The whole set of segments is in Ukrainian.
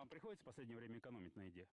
Вам приходится в последнее время экономить на еде?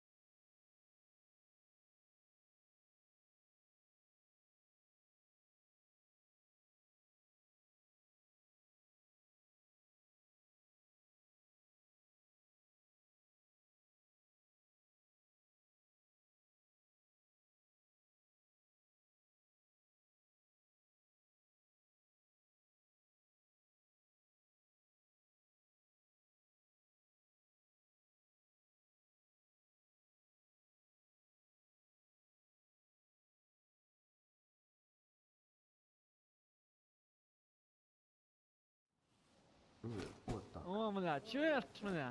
Вот так. О, бля, чуєш мене?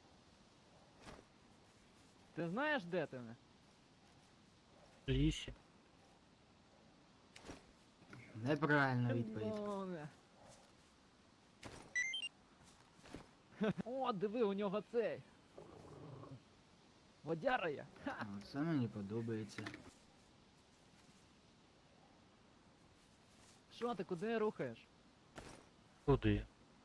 Ти знаєш, де ти мене? В лісі. Неправильна відповідь. О, бля. О, диви, у нього цей. Водяра є. Ха. Це мені подобається. Що ти, куди рухаєш? Туди.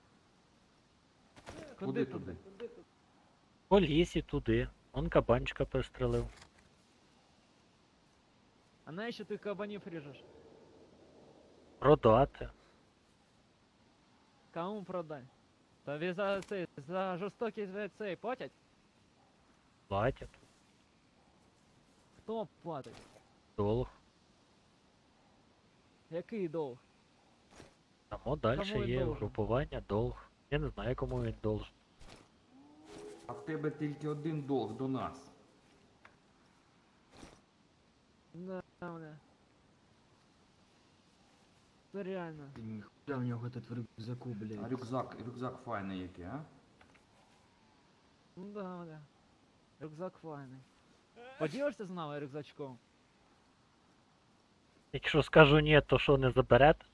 Куди туди? По лісі туди. Он кабанчика пристрелив. А навіщо ти кабанів ріжеш? Продати. Кому продай? Тобі за цей, за жорстокість цей платять? Платять. Хто платить? Долг. Який долг? Тому далі Кому він є должен? угрупування, долг. Я не знаю, кому він должен. А в тебе тільки один долг до нас. Да, бля. Це реально. Ти ніхуя в нього тут в рюкзаку, А блядь. рюкзак файний який, а? Ну да, бля. Рюкзак файний. Поділишся з нами рюкзачком? Якщо скажу ні, то що не заберете?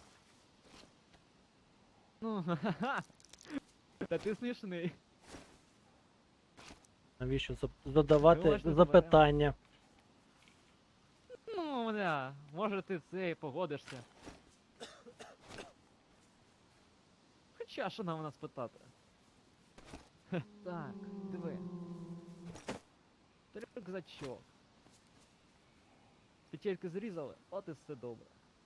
Ну, ха-ха. Та ти смішний. Навіщо задавати Думаєш, не запитання? Ну, бля, може ти цей погодишся. Хоча, що нам у нас питати? Хе, так, диви. Рюкзачок. Петельки зрізали, от і все добре.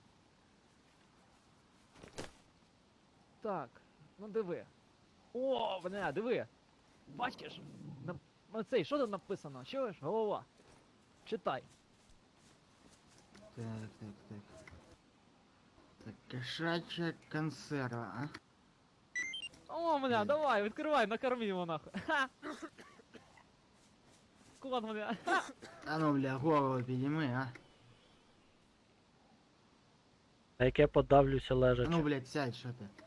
Так, ну диви. О, бля, диви. Бачиш? Оцей, що тут написано? Чуєш? Голова. Читай. Так, так, так. Так, кошача консерва, а? О, бля, давай, відкривай, накорми його нахуй. Ха! Кот, бля. Ха! А ну, бля, голову підійми, а? На яке подавлюся А лежачи. ну, блядь, сядь, що ти?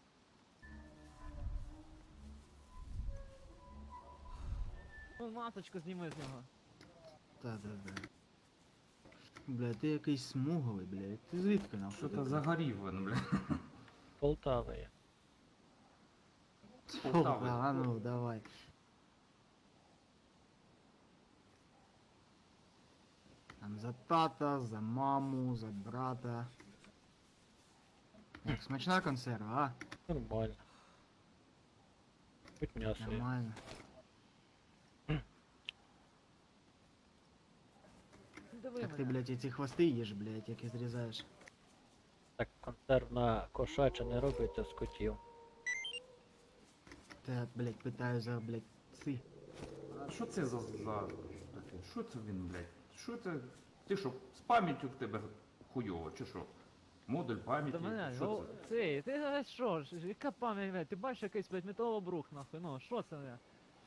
Ну, масочку зніми з нього. Та-та-та. Бля, ти якийсь смуглий, блядь. Ти звідки нахуй? Що то такий? загорів він, бля? Полтава є. З Полтави. А ну, давай. Там за тата, за маму, за брата. Як, смачна консерва, Нормально. Хоч а? м'ясо є. Нормально. Диви Так ти, мене. блядь, і ці хвости їш, блядь, які зрізаєш. Так консервна кошача не робиться з котів. Та, блядь, питаю за, блядь, ці. А що це за таке? Що це він, блядь? Що це? Ти що, з пам'яттю в тебе хуйово, чи що? Модуль пам'яті? Та мене, Що ну, це? цей, ти що ж, яка пам'ять, блядь, ти бачиш якийсь, блядь, металобрух, нахуй, ну, що це, бля?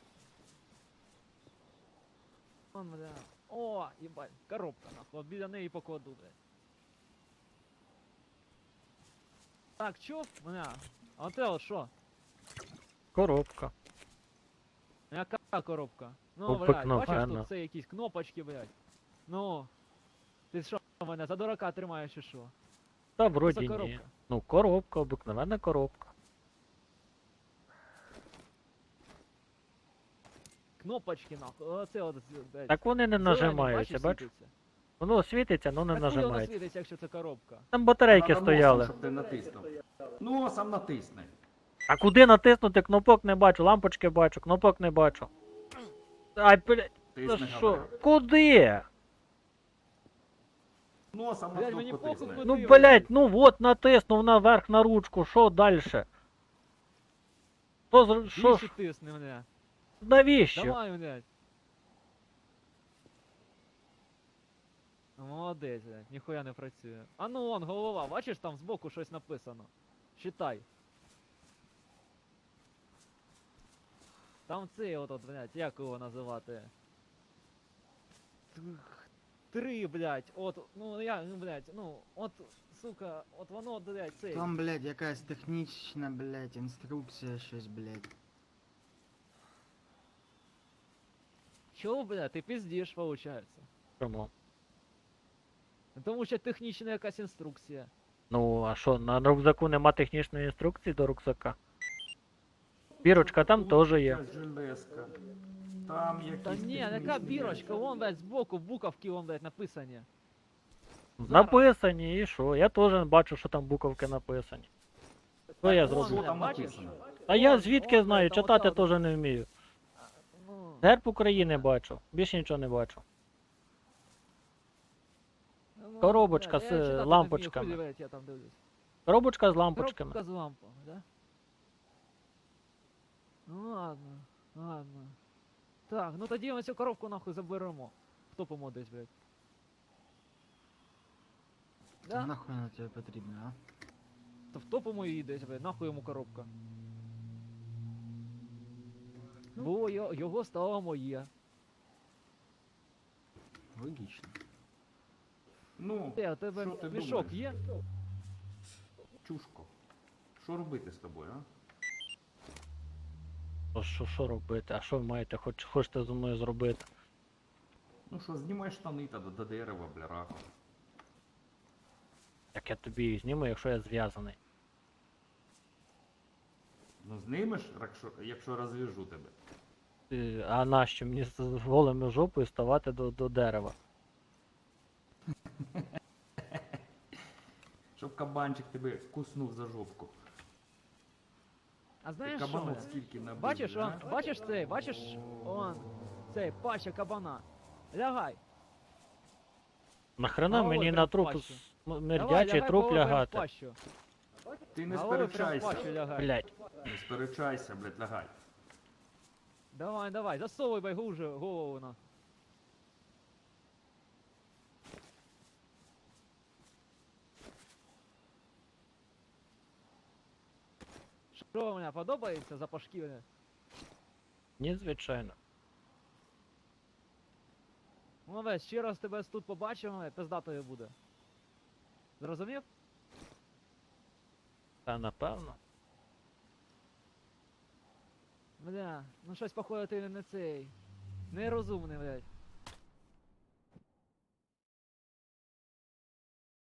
Вон, бля. О, їбать, коробка, нахуй, от біля неї покладу, блядь. Так, чув, бля, а оце от що? Коробка. Яка коробка? Ну, блядь, бачиш, Обикновенна. тут це якісь кнопочки, блядь. Ну, ти що, мене за дурака тримаєш чи що? Та Що за вроді ні. коробка? Ну, коробка, обикновенна коробка. Кнопочки, нахуй, оце от, блядь. Так вони не зелені, нажимаються, бачиш, бачиш? світиться? Воно світиться, але не Так коли воно нажимається. світиться, якщо це коробка? Там батарейки Надо носом, стояли. щоб ти натиснув. Носом натисни. А куди натиснути? Кнопок не бачу, лампочки бачу, кнопок не бачу. Ай, блядь, Ти та не що? говорив. Куди? Носом на Блядь, мені кнопку похуй, тисни. куди. Ну, Куди, блядь, ну вот натиснув наверх на ручку, що дальше? Що Більше ж, тисни мене. навіщо? Давай, блядь. Молодець, блядь, ніхуя не працює. А ну вон, голова, бачиш, там збоку щось написано. Читай. Там цей от, блядь, як його називати? Три, блядь, от, ну я, ну, блядь, ну, от, сука, от воно, блядь, цей. Там, блядь, якась технічна, блядь, інструкція, щось, блядь. Чого, блядь, ти пиздиш, получається? Чому? Тому що технічна якась інструкція. Ну, а що, на рюкзаку нема технічної інструкції до рюкзака? Бірочка там Тут теж є. якась железка. Там якісь Та ні, яка технічні бірочка, речі. вон, блядь, збоку, буковки, вон, блядь, написані. Зараз. Написані, і що? Я теж бачу, що там буковки написані. Що я вон, зроблю? Що там бачиш? написано? А я Вон, звідки вон, знаю, блядь, там читати ота от- теж не вмію. Ну, Герб України бачу, більше нічого не бачу. ну, Коробочка блядь, з я читати не вмію, лампочками. хуй, блядь, я там дивлюсь. Коробочка з лампочками. Коробка з лампами, да? Ну ладно, ладно. Так, ну тоді ми цю коробку нахуй заберемо. Хто помодить, блядь? Та Да? нахуй вона тобі потрібна, а? То в топому її десь, блядь, нахуй йому коробка. Бо його стало моє. Логічно. Ну, Те, у тебе що ти мішок думаєш? є? Чушко. Що робити з тобою, а? Що робити? А що ви маєте? Хочете зі мною зробити? Ну що, знімай штани та до дерева, бля, Як я тобі їх зніму, якщо я зв'язаний. Ну знімеш, якщо розв'яжу тебе. А нащо мені з голими жопою ставати до дерева? Щоб кабанчик тебе куснув за жопку. А Ти знаєш що? кабанок блядь? скільки набив, Бачиш, бля, он, бачиш цей, бачиш, он, цей, паща кабана. Лягай. Нахрена Головою мені прям на в труп пащу. мердячий Давай, труп головою прям в лягати? пащу. Ти не Головою прям в сперечайся. пащу лягай. Блять. Не сперечайся, блядь, лягай. Давай, засовуй байгуже голову на. Що мені подобається запашки? Бля? Ні, звичайно. Молодець, ще раз тебе тут побачимо, пиздатою буде. Зрозумів? Та напевно. Бля, ну щось походу ти не цей. Нерозумний, блядь.